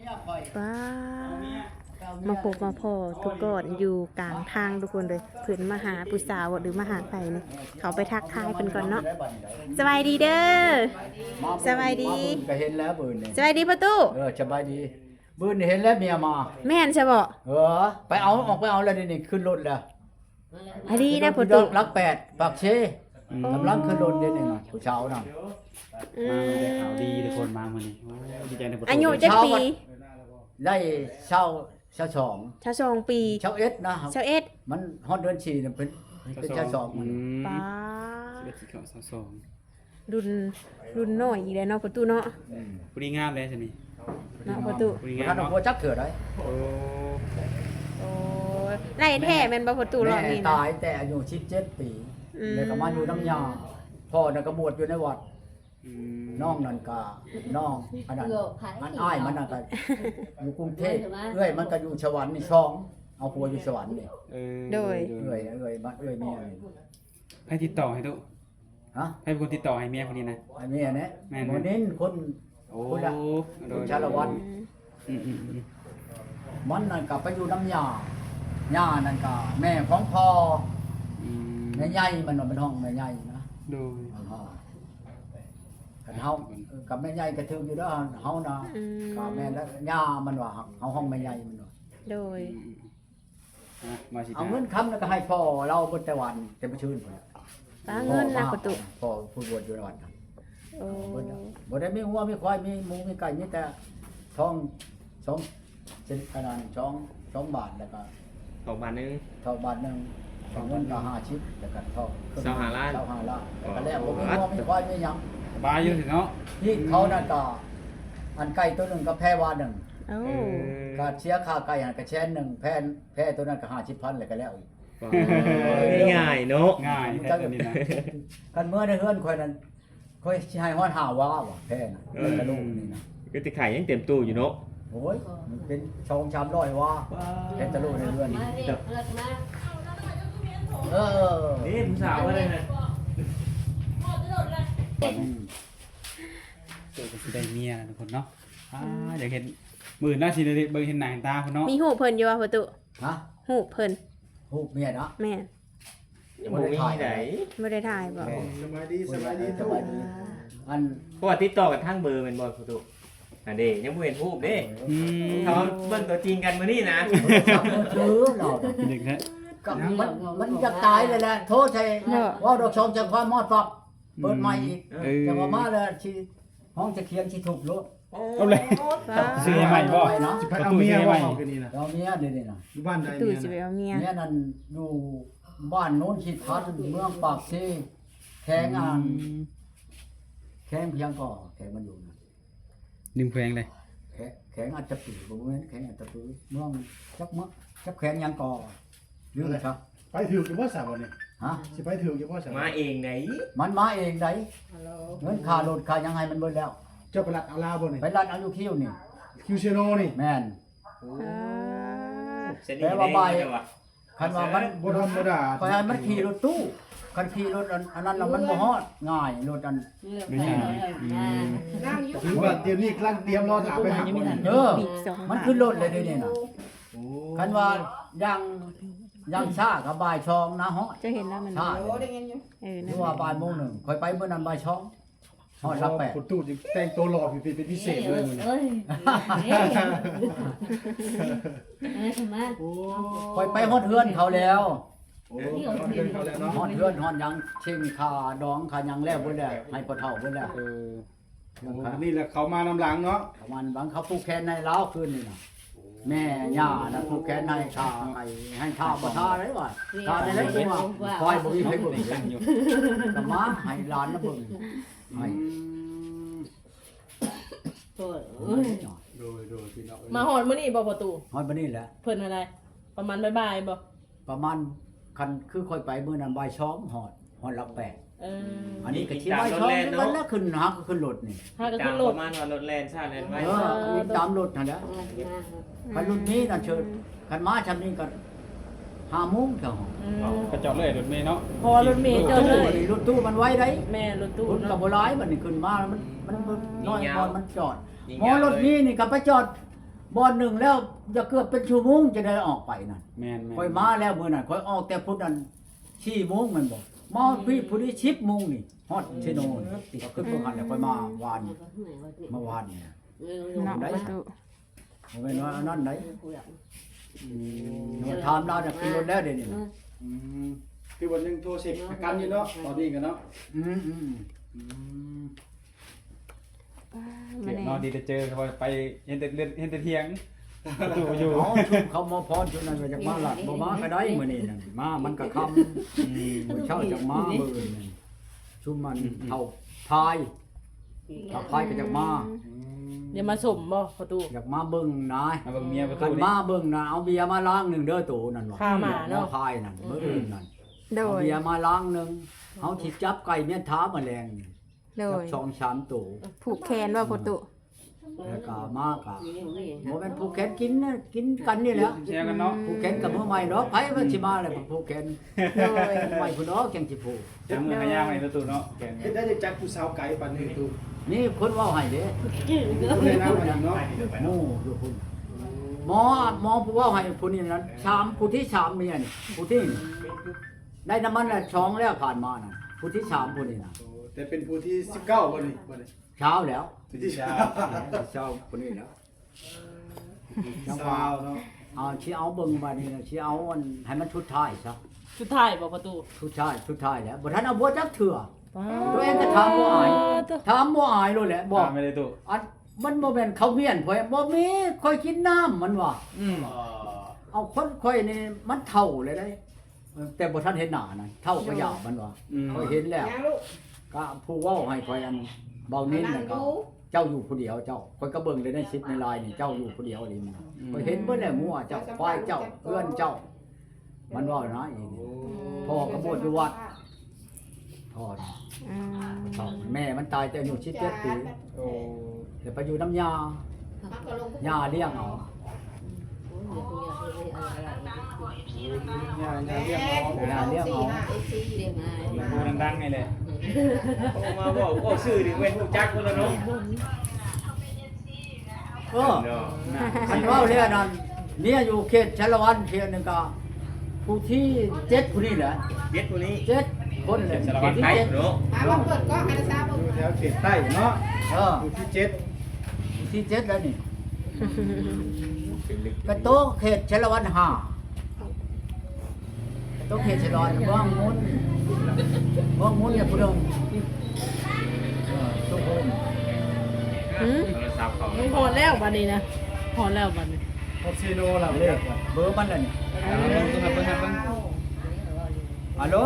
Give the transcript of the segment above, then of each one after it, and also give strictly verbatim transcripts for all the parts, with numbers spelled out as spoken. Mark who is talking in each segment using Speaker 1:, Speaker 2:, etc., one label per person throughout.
Speaker 1: ว้ามาพบมาพอทุกคนอยู่กลางทางทุกคนเลยเพื่อนมาหาผู้สาวหรือมาหาใครเนี่ยเขาไปทักทายเพิ่นก่อนเนาะสบายดีเด้อสบายดี
Speaker 2: ก็เห็นแล้วบืนนี่
Speaker 1: สบายดีประตู
Speaker 2: เออสบายดีบืนนี่เห็นแล้วเมียมา
Speaker 1: แม่นใช่บ่
Speaker 2: เออไปเอาออกไปเอาแล้วนี่นี่ขึ้นรถแล้ว
Speaker 1: อันนี้นะประตู
Speaker 2: รักแปดปากเชกำลังขึ้นรถเดี๋ยวนี้น่ะเช้าน่ะ
Speaker 1: อื
Speaker 3: มาได้
Speaker 1: ม
Speaker 3: ข่าวดีทุกคนมามื้อนี้โอ้ดีใจในประตู
Speaker 1: อายุจักปี
Speaker 2: ได้เช้าเช้าสอง
Speaker 1: ชาสองปี
Speaker 2: เช้าเอ็ดนะ
Speaker 1: ชาเอ็ด
Speaker 2: มันฮอดเดือนสี่น่ะเป็นเป็นเช้าสอง
Speaker 3: อื
Speaker 2: มัน
Speaker 3: ม
Speaker 1: ป้า
Speaker 3: สิบเอ็ดสิบสองสอง
Speaker 1: รุ่นรุ่นน้อยอีกแล้วเนาะประตูเนาะ
Speaker 3: ผู้นี้งามเลยใช่มั้ย
Speaker 1: เนาะประตู
Speaker 3: ผู้นี้
Speaker 2: ท่าง
Speaker 3: าน ม
Speaker 2: เอา
Speaker 3: เนาะ
Speaker 2: หัวจักเถื่อได้
Speaker 3: โอ้
Speaker 1: โอ้ไล่แท้แม่นบ่ประตูรอบ
Speaker 2: แม่
Speaker 1: นี้นะ
Speaker 2: ตายแต่อายุสิบเจ็ดปี
Speaker 1: อืม
Speaker 2: เลยก็มาอยู่น้ำยาพ่อน่ะก็บวชอยู่ในวัด
Speaker 3: อืม
Speaker 2: น้องนั่นก็น้องอันนั้นอันอ้ายมันนั่นก็อยู่กรุงเทพเอ้ยมันก็อยู่สวรรค์นี่ช่องเอาผัวอยู่สวรรค์นี่
Speaker 3: เออ
Speaker 1: โดย
Speaker 2: เอ้ยเอ้ยบ้านเอ้ยเมียนี่
Speaker 3: ให้ติดต่อให้ตุ
Speaker 2: ฮะ
Speaker 3: ให้เป็นคนติดต่อให้เมียคนนี้นะ
Speaker 2: ไอ้เมียเนี่ย
Speaker 3: แม่น
Speaker 2: คนนี้คน
Speaker 3: โอ้
Speaker 2: คนละ
Speaker 3: โด
Speaker 2: คน
Speaker 3: ย
Speaker 2: ชาละวัน
Speaker 3: อืมอืมอืม
Speaker 2: มันนั่นก็ไปอยู่น้ำยาย่านั่นก็แม่ของพ่อ
Speaker 3: อืม
Speaker 2: แม่ใหญ่มันว่าเป็นห้องแม่ใหญ่นะ
Speaker 3: โดย
Speaker 2: กันเฮากับแม่ใหญ่ก็ถึงอยู่แล้วเฮานะ
Speaker 1: อืม
Speaker 2: กับแม่และย่ามันว่าเฮาห้องแม่ใหญ่มันว่า
Speaker 1: โดย
Speaker 3: อืมอ่ะมาสิ
Speaker 2: เอาเงินคำแล้วก็ให้พ่อเราบนแต่วันแต่บ่ชื่นพุ่น
Speaker 1: ป้าเงินนะประตู
Speaker 2: พ่อผู้บวชอยู่ในวัดนั่น
Speaker 1: โอ้
Speaker 2: บ่ได้บ่ได้มีหัวมีควายมีหมูมีไก่มีแต่ท้องสองเส้นอันนั้นสองสองบาทแล้วก็
Speaker 4: สองบาทหนึง
Speaker 2: เท่าบาทหนึงเอาเงินก็ห้าชิปแล้วก็เท่า
Speaker 4: เจ้าห้าล้าน
Speaker 2: เท่าห้าล้านแล้วก็แล้วบ่มีหัวมีควายมีหยัง
Speaker 3: สบายอยู่สิเนาะ
Speaker 2: นี่เขานั่นก็อันไก่ตัวหนึงก็แพ้วาหนึง
Speaker 1: โอ้
Speaker 2: ก็เสียค่าไก่หันก็แชนหนึงแพ้แพ้ตัวนั้นก็ห้าสิบพันแล้วก็แล้วอีก
Speaker 4: ง่ายเนาะ
Speaker 3: ง่ายแท้ตัวนี้นะ
Speaker 2: กันเมื่อในเฮือนข่อยนั้นข่อยสิให้ฮอดห้าว่าว่ะแพ้น่ะเออกระลูกนี่นะ
Speaker 4: ก็ติไข่ยังเต็มตู้อยู่เนาะ
Speaker 2: โอ้ยมันเป็นชองชามร้อยว่าเป็นตะลุในเรือนนี่เออ
Speaker 4: นี่ผู้สาวอะไรนะ
Speaker 2: อืม
Speaker 3: เจอกันสิได้เมียนะทุกคนเนาะอ่าอยากเห็นมื้อหน้าสิได้เบิ่งเห็นหน้าเห็นตาพุ่นเนาะ
Speaker 1: มีหูเพิ่นอยู่ว่าประตู
Speaker 2: ฮะ
Speaker 1: หูเพิ่น
Speaker 2: ฮูกเมียนะ
Speaker 1: แม่น
Speaker 4: ยังบ่มีไหน
Speaker 1: บ่ได้ถ่ายบ่
Speaker 2: สบายดีสบายดีสบายดีอัน
Speaker 4: เพราะว่าติดต่อกันทางเบอร์แม่นบ่ประตูอันเด้ยังบ่เห็นรูปเด้
Speaker 3: อืม
Speaker 4: เขาเบิ่งตัวจริงกันมื้อนี้นะ
Speaker 2: ซื้อเรา
Speaker 3: เด็กแท้
Speaker 2: ก็มันมันจะตายเลยแหละโทษใช่ว่าดอกชมจากความมอดฟักเปิดใหม่อีกจังว่ามาแล้วชีห้องจะเคียงชีถูกรถ
Speaker 3: เอาเลย
Speaker 1: ป้า
Speaker 3: ซื้อใหม่บ่
Speaker 2: เนาะ
Speaker 5: สิไปเอาเมียว่าเอากันนี่นะ
Speaker 2: เราเมียเดี๋ยวนี้นะ
Speaker 5: อยู่บ้านใด
Speaker 1: ตู่
Speaker 5: เมีย
Speaker 1: สิไป
Speaker 5: นะ
Speaker 1: เอาเมีย
Speaker 2: เมียนั่นอยู่บ้านโน้นขีดพัดเมืองปากซีแข้งอ่านแข้งเพียงก่อแข้งมันอยู่นะ
Speaker 3: นิ่มแขวงเลย
Speaker 2: แข้งแข้งอาจจะปือบ่แม่นแข้งอาจจะปือเมืองจักมะจักแข้งยังก่อหรืออะไรครับ
Speaker 5: ไปถือกี่ว่าสาวนี่
Speaker 2: ฮะ
Speaker 5: สิไปถือกี่ว่าสาว
Speaker 4: มาเองไหน
Speaker 2: มันมาเองไดเงินค่ารถค่ายังไงมันเบิดแล้ว
Speaker 5: เจ้าประหลัดอาลาบ่นี่
Speaker 2: ไปร้านอายุคิวนี่
Speaker 5: คิวเชโนนี่
Speaker 2: แม่น
Speaker 1: อ่า
Speaker 4: เสร็จนี่เด้จังว่า
Speaker 2: คันว่ามัน
Speaker 5: บ่ธรรมดา
Speaker 2: คอยให้มันขี่รถตู้คันขี่รถอันอันนั้นน่ะมันบ่ฮอดง่ายรถอัน
Speaker 3: ไม่ใช่อืม
Speaker 5: ถือว่าเตรียมนี่กำลังเตรียมรอถามไปหาคน
Speaker 2: เออ
Speaker 1: บีบสอง
Speaker 2: มัน
Speaker 1: บาท
Speaker 2: ขึ้นรถเลยเดี๋ยวนี้น่ะ
Speaker 5: โอ้
Speaker 2: คันว่ายังยังช้ากับบ่ายชองนะฮอด
Speaker 1: จะเห็นแล้วมัน
Speaker 2: ช้า
Speaker 1: เออ
Speaker 2: ห
Speaker 1: นั่
Speaker 2: รื
Speaker 1: น
Speaker 2: อว่าบ่ายโมงหนึ่งคอยไปเมื่อนั้นบ่ายชองฮอดรับแปด
Speaker 5: คนตู้จะแต่งตัวหล่อเป็นเป็นพิเศษเลยมึง
Speaker 6: เอ้ยเอ้ยมา
Speaker 5: โอ้
Speaker 2: คอยไปฮอดเฮือนเขาแล้ว
Speaker 5: โอ้เดินเขาแล้วเนาะ
Speaker 2: ฮอดเฮือนฮอดหยังเชิงคาดองคาหยังแล้วเบิดแล้วให้พ่อเฒ่าเบิดแล้ว
Speaker 3: เออ
Speaker 5: โอ้นี่แหละเขามานำหลังเนาะ
Speaker 2: ประมาณบางเขาผูกแขนในเล้าวคืนนี่น่ะแม่ย่าน่ะผูกแขนในข้าให้ให้ข้าบ่ทาได้ว่าทาได้แล้วคือว่าคอยบ่มีใครเบิ่ง
Speaker 3: ตั้งอยู่
Speaker 2: ก็มาให้หลานนะเบิ่งให้
Speaker 6: โอ้ยเอ้ย
Speaker 5: โดยโดยพี่น้อง
Speaker 7: มาหอดมื้อนี้บ่ประตู
Speaker 2: ฮอดบัดนี้แหละ
Speaker 7: เพิ่นอะไร ประมาณบ่ายๆบ่
Speaker 2: ประมาณคันคือค่อยไปมื้อนั้นบ่ายสองฮอดฮอดหลักแปด
Speaker 7: เออ
Speaker 2: อันนี้ก็สิบ่ายสองมันแล้วขึ้นหาก็ขึ้นรถนี่
Speaker 7: ถ้าก็
Speaker 4: จา
Speaker 7: ขึ้
Speaker 4: ง
Speaker 7: น
Speaker 4: ป
Speaker 7: รถ
Speaker 4: ระมาณว่ารถแล่นซ่าแล่นไว้
Speaker 2: เออวิ่งตามรถนั่นแหละคันรถนี้น่ะเชิญคันมาชำนี้ก็ห้าโมงเท่า
Speaker 7: อืม
Speaker 3: กระจอกเลยรถเมล์เนาะ
Speaker 7: พอรถเมล์เจอเลย
Speaker 2: รถตู้มันไว้ได้
Speaker 7: แม่รถตู้
Speaker 2: รถกั
Speaker 7: เนาะ
Speaker 2: บโบราณมันนี่ขึ้นมามันมันน้อยก่อนมันจอดหมอรถนี้นี่ก็ไปจอดบ่อนหนึ่งแล้วจะเกือบเป็นชั่วโมงจะได้ออกไปนั่น
Speaker 3: แม่นแม่น
Speaker 2: ค่อยมาแล้วมื้อนั้นค่อยออกแต่พุ่นนั้นสี่โมงแมันบ่มาพี่ผู้นี้สิบโมงนี่ฮอดเชโนนี่ก็ขึ้นบ่ทันแล้วค่อยมาวานเมื่อวานนี่นะ
Speaker 1: เนาะประตู
Speaker 2: บ่แม่นว่าอันนั้นไหน
Speaker 3: อืม
Speaker 2: มาถามเราเนี่ยขึ้นรถแล้วเดี๋ยวนี้นะ
Speaker 5: อืมคือวันหนึงโทรเช็คอาการอยู่เนาะตอนนี้กันเนาะ
Speaker 2: อืมอืม
Speaker 5: อืม
Speaker 3: เก็บ
Speaker 1: แน่
Speaker 3: นอนดีจะเจอเขาไปเห็นแต่เล่นเห็นแต่เถียงประตูอยู่
Speaker 2: อ๋อชุมเขามาพรชุดนั้นก็จะมาหลัดบ่มาก็ได้มื้อนี้นั่นมามันก็ค่ำ
Speaker 3: อืม
Speaker 2: มื้อเช้าจะมามื้อนั่นชุมมันเฮาพายถ้าพายก็จะมา
Speaker 7: เดี๋ยวมาสมบ่ประตู
Speaker 2: อยากมาเบิ่งนาย
Speaker 3: มาเบิ่งเมียประ
Speaker 2: คั
Speaker 3: ตู
Speaker 2: น
Speaker 3: นี่
Speaker 2: มาเบิ่งน่ะเอาเบียร์มาล้างหนึงเด้อตู่นั่นว่า
Speaker 7: ข้าหมาเนาะ
Speaker 2: พายนั่นมื้ออื่นนั่น
Speaker 1: โด
Speaker 2: เอา
Speaker 1: ย
Speaker 2: เบียร์มาล้างหนึงเฮาสิจับไก่เมียนท้าแมลง
Speaker 1: โด
Speaker 2: จับ
Speaker 1: ย
Speaker 2: สองสามตู่
Speaker 1: ผูกแขนว่าประตู
Speaker 2: แล้วก็มากะบ่แม่นผู้แขนกินนะกินกันนี่แหละ
Speaker 3: เชียร์กันเนาะ
Speaker 2: ผู้แขนกับมือใหม่เนาะไผมันสิมาเลยผู้แขน
Speaker 1: โดย
Speaker 2: ใหม่ผู้เนาะจังสิผู้
Speaker 3: จับมือขย่างไว้ประตูเนาะแกน
Speaker 5: เฮ็ดได้จักผู้สาวไกลปานนี้ตู
Speaker 2: นี่คนเว้าให้เด้
Speaker 5: ผู้ใดนำมันเนาะ
Speaker 2: หมู่อยู่พุ่นหมอหมอผู้เว้าให้ผู้นี้นั้นสามผู้ที่สามเมียนี่ผู้ที่ได้น้ำมันละสองแล้วผ่านมาน่ะผู้ที่สามผู้นี้น่ะ
Speaker 5: โอ้แต่เป็นผู้ที่สิบเก้าบ่นี่บ่นี่
Speaker 2: เช้าแล้ว
Speaker 5: ผู้ที่สาม
Speaker 2: เช้าผู้นี้แล้ว
Speaker 5: สาวเนาะ
Speaker 2: เอาสิเอาเบิ่งบัดนี้น่ะสิเอาอันให้มันชุดท้ายซะ
Speaker 7: สุดท้ายบ่ประตู
Speaker 2: ชุดท้ายชุดท้ายแล้วบ่ทันเอาบ่จักเถื่อ ตัวเองก็ถามบ่อายถามบ่อายเลยแหละบอก
Speaker 3: ตามไม่ได้ตู้
Speaker 2: อันมันบ่แม่นข้าวเมียนข่อยบ่มีข่อยกินน้ำมันว่า
Speaker 3: อืม
Speaker 2: เอาคนข่อยนี่มันเท่าเลยได้ แต่บ่ทันเห็นหน้านั่นเท่าก็ยาวมันว่า
Speaker 3: อืม
Speaker 2: ข่อยเห็นแล้วก็ผู้เว้าให้ข่อยอันเบานิ้นนั่นก็เจ้าอยู่ผู้เดียวเจ้าข่อยก็เบิ่งเลยในคลิปในไลน์นี่เจ้าอยู่ผู้เดียวนี่มันข่อยเห็นเบิดแล้วงัวเจ้าควายเจ้าเอื้อนเจ้า มันว่านะอีนี่พ่อก็บวชอยู่วัดพ่อน่ะ
Speaker 1: อืม
Speaker 2: พ่อแม่มันตายแต่อายุสิบเจ็ดปี
Speaker 3: โอ้
Speaker 2: เดี๋ยวไปอยู่น้ำยา ยาเลี้ยงเอา
Speaker 3: ยาเรียกหมอย
Speaker 2: าเลี้ยงเอา
Speaker 3: พูดดังๆไงเลย
Speaker 4: โอ้มาบอกก็ชื่อดิเว้นฮู้จักคนละเนาะ
Speaker 2: เออ
Speaker 4: เนาะ
Speaker 2: คันว่าเรื่องนั้นเนี่ยอยู่เขตชลวันเขตหนึงก็ผู้ที่เจ็ดผู้นี้แหละ
Speaker 4: เย็ดผู้นี้
Speaker 2: เจ็ดคนเลย
Speaker 3: สารวัตร
Speaker 2: ที่
Speaker 4: ไทย
Speaker 2: เจ็ด
Speaker 4: เนาะ
Speaker 5: อยู่แถวเขตใต้เนาะ
Speaker 2: เออ
Speaker 5: อยู่ที่เจ็ด
Speaker 2: ผู้ที่เจ็ดแล้วนี่กระโตะเขตชลวันห้ากระโตะเขตชลวันเมืองมุนเมืองมุนเนี่ยผู้เดิมเออทุกคน
Speaker 1: หืม
Speaker 4: โทรศัพท์เขา
Speaker 7: มึงพอแล้วบัดนี้นะพอแล้วบัดนี้
Speaker 5: ฮอตซีโนล่ะ
Speaker 2: เล
Speaker 5: เรีย
Speaker 2: ข
Speaker 5: กว่า
Speaker 2: เบอร์มันแล้วนี่
Speaker 3: เอาเบิ่งเบิ่งเบิ่งเบิ่ง
Speaker 2: ฮัลโหล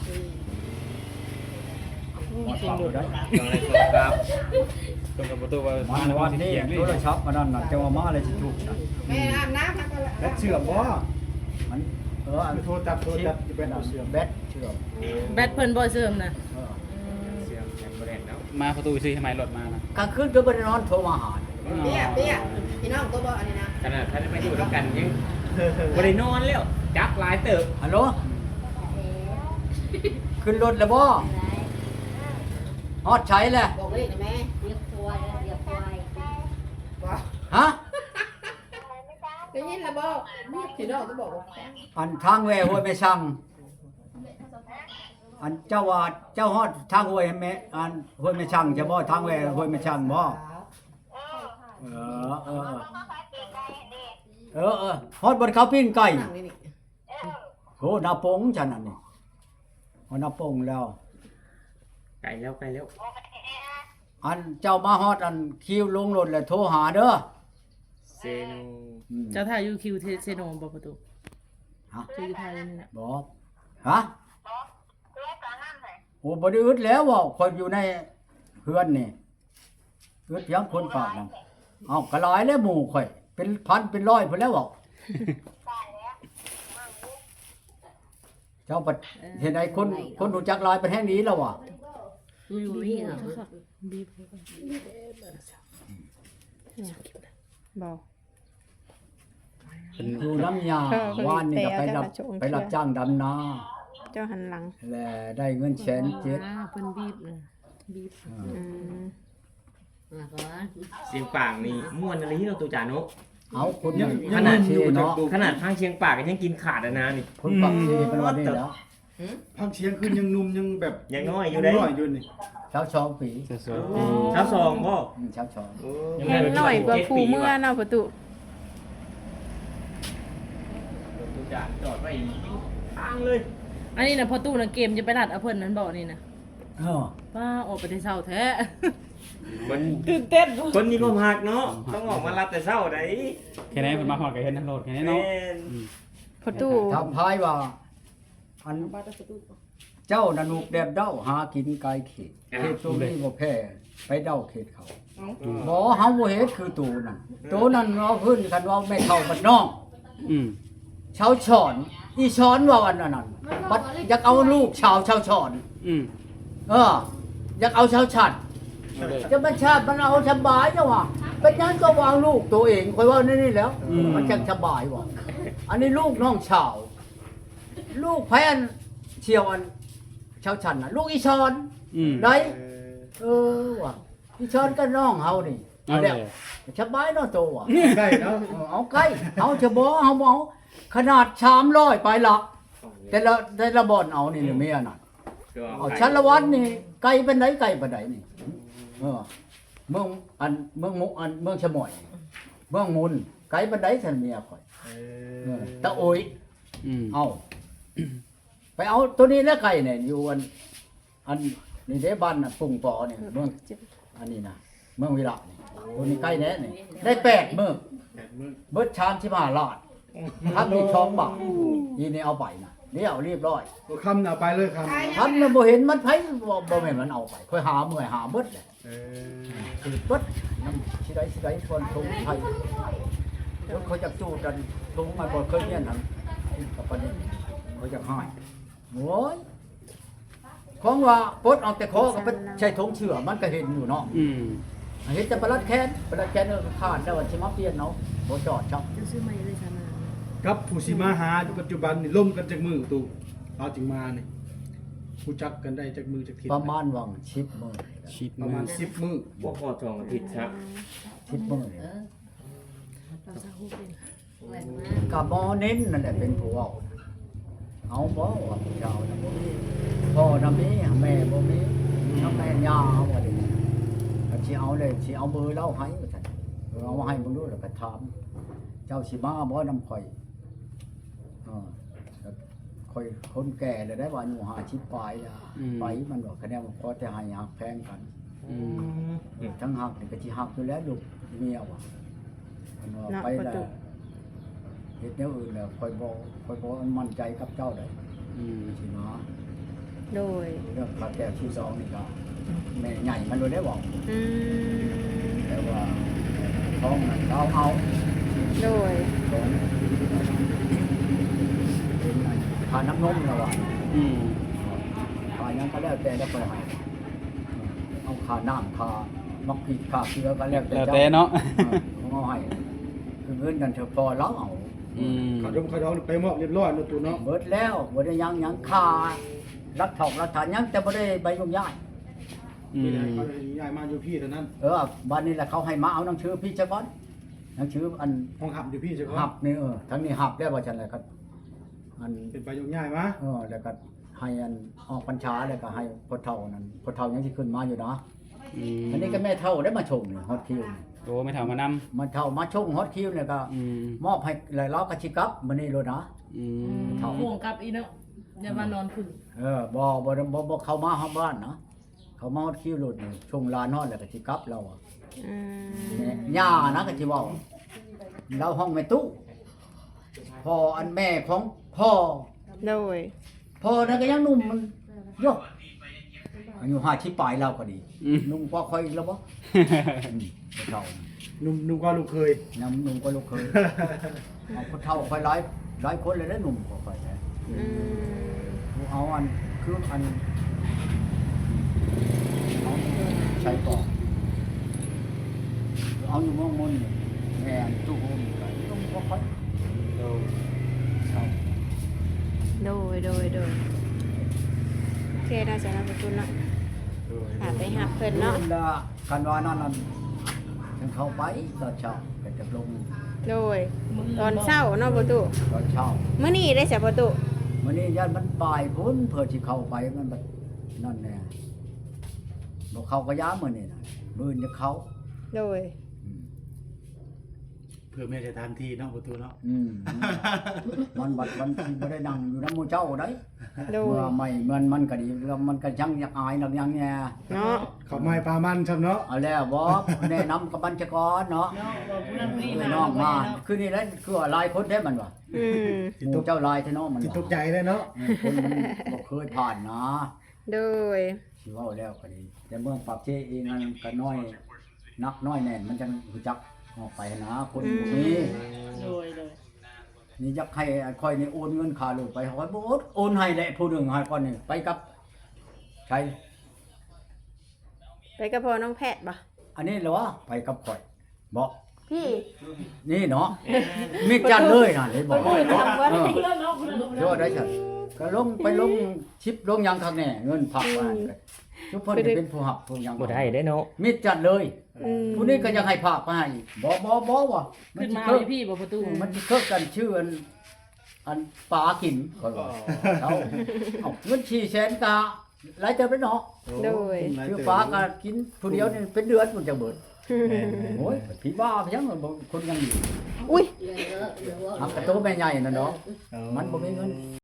Speaker 7: จริงดู
Speaker 2: ได้
Speaker 4: ต้องเลยโทรศัพท์
Speaker 3: ตรงกับประตูว่า
Speaker 2: มา
Speaker 3: มา
Speaker 2: ใน
Speaker 3: ใน
Speaker 2: วั
Speaker 3: วัน น
Speaker 2: นี้
Speaker 3: ที่เถียงนี่
Speaker 2: โทรศัพท์มานั่นน่ะจะว่ามาอะไรสิถูกนะ
Speaker 5: และเชื่อมบ่
Speaker 2: มันเอออัน
Speaker 5: โทรจับโทรจับจะเป็นเอาเชื่อม
Speaker 2: แบตเชื่อม
Speaker 7: แบตเพิ่นบ่เสริมนะ
Speaker 2: เออ
Speaker 4: เสียงแข็งบ่ได้เนาะ
Speaker 3: มาประตูซื้อทำไมรถมานะ
Speaker 2: กลางคืนก็บ่ได้นอนโทรมาหา
Speaker 8: เปี้ยเปี้ยพี่น้องก็บอกอันนี้นะ
Speaker 4: ขนาดท่านไม่อยู่ด้วยกันยังบ่ได้นอนแล้วจักหลายเติบ
Speaker 2: ฮัลโหลขึ้นรถแล้วบ่ฮอดใช้แล้ว
Speaker 8: บอกเลยนะแม่
Speaker 6: เรียกควายเรียกควาย
Speaker 8: บอก
Speaker 2: ฮะ
Speaker 8: ได้ยินแล้วบอกพี่น้องก็บอกว่า
Speaker 2: อันทางแวห้วยแม่ช่างอันเจ้าว่าเจ้าฮอดทางห้วยแม่อันห้วยแม่ช่างจะบ่ทางแวห้วยแม่ช่างบ่เออเออเออเออฮอดบนเขาปิ้งไก่
Speaker 8: นั่งนี่นี่
Speaker 2: โหนาปงฉันนั่นนี่ฮอดนาปงแล้ว
Speaker 4: ไกลแล้วไกลแล้ว
Speaker 2: อันเจ้ามาฮอดอันคิวลงรถแล้วโทรหาเด้อ
Speaker 4: เซโน
Speaker 2: อืม
Speaker 7: เจ้าถ่ายยูคิวเซโนบ่ประตู
Speaker 2: ฮะ
Speaker 7: เจ้าอยู่ถ่ายนี่นะ
Speaker 2: บอกฮะโอ้บ่ได้อึดแล้วว่าคนอยู่ในเฮือนนี่อึดเพียงคนปากนั่นเอ้ากระหลายแล้วหมู่ข่อย เป็นพันเป็นร้อยพุ่นแล้วบอกเจ้าปัดเห็นไอ้คนคนรู้จักหลายเป็นแห่งนี้แล้วว่ะ
Speaker 6: อยู่นี่เหรอ
Speaker 7: บีบ
Speaker 1: เบา
Speaker 2: อยู่น้ำยา
Speaker 1: เออคน
Speaker 2: ว่านนี่ก็ไปรับ
Speaker 1: เตะเอา
Speaker 2: ไปรับจ้างดำนา
Speaker 1: เจ้าหันหลัง
Speaker 2: และได้เงินแสนเจ็ด
Speaker 7: อ่าเพิ่นบีบนะบีบ
Speaker 1: อืม
Speaker 6: มาก่อน
Speaker 4: เสียงป่างนี่ม่วนอะไรที่เราตัวจานุ
Speaker 2: เอาคุณ
Speaker 5: ยัง
Speaker 2: ข
Speaker 5: ยัง
Speaker 2: นาด
Speaker 5: อ
Speaker 2: เช
Speaker 5: ยู่จาก
Speaker 2: เนาะ
Speaker 5: ดู
Speaker 4: ขนาดข้างเชียงปากก็ยังกินขาดอะนะนี่
Speaker 2: คุณปักเชเป็นวันนี้แล้ว
Speaker 5: พักเสียงขึ้นยังหนุ่มยังแบบ
Speaker 4: ยังน้อยอยู่เด้
Speaker 5: น้อยอยู่นี่
Speaker 2: เช้าสองปี
Speaker 3: เสื้อสวย
Speaker 4: เช้าซองบ่
Speaker 2: อืมเช้าสอง
Speaker 1: แห้งหน่อยกว่าผู้เมื่อเนาะประตู
Speaker 4: รถจอดจอดไว้ทางเลย
Speaker 7: อันนี้นะพอตู้นะเกมจะไปรัดเอาเพิ่นนั้นบอกนี่นะ
Speaker 2: เออ
Speaker 7: ป้าออกไปได้เช้าแท้
Speaker 4: มัน
Speaker 7: ตื่นเต้น
Speaker 4: คนมีความหักเนาะต้องออกมารับแต่เช้าได้
Speaker 3: แค่นี้เพิ่นมาฮอดก็เห็นนั่นโลดแค่นี้เนาะ
Speaker 4: แม่น
Speaker 3: อืม
Speaker 1: ประตู
Speaker 2: ทำพายว่าอันเจ้านันุกแดบเด้าหากินไกลเขตเขตตัวนี้บ่แพ้ไปเด้าเขตเขาบ่เฮาบ่เฮ็ดคือตูนั่นตูนั่นเอาพื้นกันว่าแม่เฒ่าบัดน้อง
Speaker 3: อืม
Speaker 2: ชาวฉอนอีช้อนว่าวันนั้นน่ะบัดอยากเอาลูกชาวชาวฉอน
Speaker 3: อืม
Speaker 2: เอออยากเอาชาวฉัดจะมาชาติมันเอาสบายจังวะเป็นยังก็วางลูกตัวเองคอยว่านี่นี่แล้วมันจังสบายวะอันนี้ลูกน้องชาว ลูกแพนเชียวอันชาวฉันน่ะลูกอีชอน
Speaker 3: อืม
Speaker 2: ไหนเออว่ะอีชอนก็น้องเฮานี่
Speaker 3: เอา
Speaker 2: เดี๋ยว
Speaker 3: เลย
Speaker 2: สบายเนาะโตว่ะ
Speaker 5: ใกล้แล้ว
Speaker 2: เอาใกล้เอาจะบ่เอาบ่เอาขนาดชามร้อยไปหลักแต่ละแต่ละบ่อนเอานี่เมียน่ะเอาชั้นละวันนี่ไกลเป็นไหนไกลปานใดนี่เออเมืองอันเมืองมุกอันเมืองชะมอยเมืองมุนไกลปานใดฉันเมียข่อยเออตะโอย
Speaker 3: อืม
Speaker 2: เอา ไปเอาตัวนี้แล้วไก่เนี่ยอยู่อันอันนี่เด้บ้านน่ะปุ่งปอเนี่ยเมืองอันนี้นะเมืองวิระนี่ตัวนี้ใกล้แน่นี่ได้แปดเมืองเบิดชามที่มาลาดครับมีช่องบาทยีนี่เอาไปนะเดี๋ยวเรียบร้อย
Speaker 5: ก็คำน่ะไปเลยคำ
Speaker 2: ทำน่ะบ่เห็นมันไผบ่บ่แม่นมันเอาไปค่อยหาเมื่อยหาเบิดแหละ
Speaker 5: เออ
Speaker 2: คือเบิดน้ำสิได้สิได้คนทุงไทยรถเขาจะจูดกันทุงมันบ่เคยเนี่ยนั่นกับประเด็นเขาจะให้โอ้ยของว่าปลดออกแต่คอก็เป็นใช้ทงเชื่อมันก็เห็นอยู่เนาะ
Speaker 3: อืม
Speaker 2: เห็นแต่ประหลัดแค้นประหลัดแค้นเออขาดแล้วว่าสิมาเปลี่ยนเนาะบ่จอดชับ
Speaker 7: จะซื้อมาเลยใช่ไหม
Speaker 5: ครับผู้สิมาหาอยู่ปัจจุบันนี่ล่มกันจากมือตู่เอาจึงมานี่ผู้จักกันได้จากมือจากทิศ
Speaker 2: ประมาณวังชิปมื้อ
Speaker 3: ชิด
Speaker 5: ประมาณสิบมือ
Speaker 4: บ่พอสองอาทิตย์ครับ
Speaker 2: ชิปมื้อ
Speaker 7: เราจะฮู้เป็น
Speaker 6: แหวนมา
Speaker 2: ก็บ่เน้นนั่นแหละเป็นผู้เว้าเอาบ่ว่าผู้เจ้าน่ะบ่มีพ่อน่ะมีแม่บ่มีน้ำแม่ย่าเอาว่าดิก็สิเอาเลยสิเอาเบอร์เราให้ว่าซั่นเอาให้เบิ่งดูแล้วก็ถามเจ้าสิมาบ่นำข่อยเออแล้วข่อยคนแก่แล้วได้ว่าอายุห้าสิบปลายแล้วไปมันบอกคะแนนว่าพอแต่ให้หักแพงกัน
Speaker 3: อืม
Speaker 2: ทั้งหักนี่ก็สิหักอยู่แล้วลูกเมียว่ะมันว่า
Speaker 1: เนาะ
Speaker 2: ไป
Speaker 1: ประ
Speaker 2: แล้
Speaker 1: ตู
Speaker 2: วเฮ็ดแนวอื่นแล้วค่อยบ่ค่อยบ่มั่นใจกับเจ้าได้
Speaker 3: อืม
Speaker 2: สินะ
Speaker 1: โดย
Speaker 2: เรื่องพระแก้วที่สองนี่ก็แม่ใหญ่มันบ่ได้บอก
Speaker 1: อืม
Speaker 2: แต่ว่าท้องนั้นเราเอา
Speaker 1: โดย
Speaker 2: ท้องเป็นไงทานน้ำนมแล้วว่ะ
Speaker 3: อืม
Speaker 2: ทานหยังก็แล้วแต่แล้วค่อยให้เอาค่าน้ำค่ามักผิดค่าเกลือก็แล้วแต่
Speaker 3: แล้ว
Speaker 2: เจ้า
Speaker 3: แต่เนาะ
Speaker 2: เออเอาให้คือเงินนั่นเถอะพอเราเอา
Speaker 3: อืม
Speaker 5: ขาดมขาดองไปมอบเรียบร้อยเนาะตู่เนาะ
Speaker 2: เบิดแล้วบ่ได้ยังยังค่ารักถอกรักฐานยังแต่บ่ได้ใบลงย้าย
Speaker 3: อื
Speaker 5: นี่แหละ
Speaker 3: ม
Speaker 5: เขาย้ายมาอยู่พี่เท่านั้น
Speaker 2: เออบ้านนี้แหละเขาให้มาเอาหนังชื่อพี่เจ้าบ้านหนังชื่ออัน
Speaker 5: ห้องหับอยู่พี่เจ้าขอ
Speaker 2: หั
Speaker 5: ง
Speaker 2: บนี่เออทั้งนี้หับแล้วว่าฉันเลยก็อัน
Speaker 5: เป็นไปยกย้ายมา
Speaker 2: เออแล้วก็ให้อันออกพรรษาแล้วก็ให้พ่อเฒ่านั้นพ่อเฒ่ายังสิขึ้นมาอยู่นะ
Speaker 3: อืม
Speaker 2: อันนี้ก็แม่เฒ่าได้มาชมนี่ฮอตคิวนี่
Speaker 3: โอ้ไม่เท่ามานำ
Speaker 2: มาเฒ่ามาชมฮอตคิวเนี่ยก็
Speaker 3: อืม
Speaker 2: มอบให้หลายล้อกระชิกลับมื้อนี้โลดนะ
Speaker 3: อื
Speaker 7: อื
Speaker 3: ม
Speaker 7: มห่วงกับอีเนาะอย่ามานอนพึ่ง
Speaker 2: เออบ่บ่บ่บ่เข้ามาห้องบ้านนะเขามาฮอตคิวโลดนี่ชงลานฮอดแล้วก็สิกลับเราอะ
Speaker 1: อืม
Speaker 2: แม่ย่านะก็สิเว้าเราห้องแม่ตู้พ่ออันแม่ของพ่อ
Speaker 1: โดย
Speaker 2: พ่อนั่นก็ยังหนุ่มมันโยกอายุห้าสิบปลายเราก็ดี
Speaker 3: อืม
Speaker 2: หนุ่มกว่าค่อยแล้วบ่อืมเฒ่า
Speaker 5: หนุ่มหนุ่มกว่าลูกเคย
Speaker 2: ยังหนุ่มกว่าลูกเคยเอาคนเฒ่าค่อยหลายหลายคนเลยนะหนุ่มกว่าค่อยนะ
Speaker 1: อืม
Speaker 2: เอาอันคืออันเอาใช้ก่อนเอาอยู่เมืองมนต์นี่แม่นตู้โฮมก็หนุ่มกว่าค่อย
Speaker 3: โอ้
Speaker 2: เฒ่า
Speaker 1: โดยโดยโดยโอเคน่าจะรับประตูเนาะหาไปหาเพิ่นเนาะ
Speaker 2: พิ่ละกันว่านั่นนั่นถึงเข้าไปตอนเช้าก็จะลง
Speaker 1: โดยตอนเช้าเนาะประตู
Speaker 2: ตอนเช้า
Speaker 1: มื้อนี้ได้เสียประตู
Speaker 2: มื้อนี้ญาติมันบ่ายพุ่นเพื่อสิเข้าไปมันแบบนั่นแน่บ่เข้าก็ย้ามื้อนี้น่ะมื้อนี้จะเข้า
Speaker 1: โดย
Speaker 2: อืม
Speaker 5: เพื่อแม่จะทานทีเนาะประตูเนาะ
Speaker 2: อืมมันบัดมันสิบ่ได้นั่งอยู่นำหมู่เจ้าได้
Speaker 1: โดย
Speaker 2: เมื่อไม่เงินมันก็ดีแล้วมันก็ยังอยากอายนักยังแน่
Speaker 1: เนาะ
Speaker 5: เขาไม้ปลามันครับเนาะ
Speaker 2: เอาแล้วบ่แนะนำกับบัญชากรเนาะ
Speaker 7: เนาะบอกผู้นั้นผู้นี้
Speaker 2: เอ
Speaker 7: มา
Speaker 2: อน้องมาคือนี่แหละคือว่าหลายคนได้มันว่ะ
Speaker 1: อืม
Speaker 2: หมู่เจ้าหลายแท้เนาะมัน
Speaker 5: จิต
Speaker 2: ว่ะ
Speaker 5: ตกใจเลยเนาะ
Speaker 2: เออคนมันบ่เคยผ่านนะ
Speaker 1: โดย
Speaker 2: สิเว้าแล้วก็ดีแต่เมืองปากเชเองมันก็น้อยนักน้อยแน่นมันจังรู้จักออกไปนะคนพวกนี้
Speaker 7: โดยโดย
Speaker 2: นี่อยากให้คอยนี่โอนเงินค่าลูกไปขอยบ่โอนโอนให้แหละผู้หนึงให้ก่อนนี่ไปกับใคร
Speaker 1: ไปกับพ่อน้องแพทย์บ่
Speaker 2: อันนี้เหรอไปกับข่อยบ่
Speaker 1: พี่
Speaker 2: นี่เนาะมีจัดเลยน่ะเลยบอก
Speaker 1: เพิ่นทำบ่ได้
Speaker 7: ผู้นั้นเนาะผู้นั้น
Speaker 2: เดี๋ยวได้ซั่นก็ลงไปลงชิปลงหยังข้างแน่เงินผักว่าทุกเพิ่นจะเป็นผู้หักผู้หยัง
Speaker 4: บ่ได้เด้เนาะ
Speaker 2: มีจัดเลย
Speaker 1: อืม
Speaker 2: ผู้นี้ก็ยังให้ภาคมาให้บ่บ่บ่ว่ะมัน
Speaker 7: ขึ้น
Speaker 2: สิ
Speaker 7: มา
Speaker 2: เคิก
Speaker 7: พี่บอกประตู
Speaker 2: มันสิเคิกกันชื่ออันอันปลากินก็ว่าเอาเอาเงินสี่แสนกะหลายเติบแล้วเนาะ
Speaker 1: โดย
Speaker 2: ชื่อปลาก็กินผู้เดียวนี่เป็นเดือนมันจะเบิดโอ้ยผีบ้าเพียงบ่คนยังอยู่
Speaker 1: อุ้ย
Speaker 6: เหลือเหลือ
Speaker 2: ทำกระโตแม่ใหญ่นั่นเนาะมันบ่มีเงิน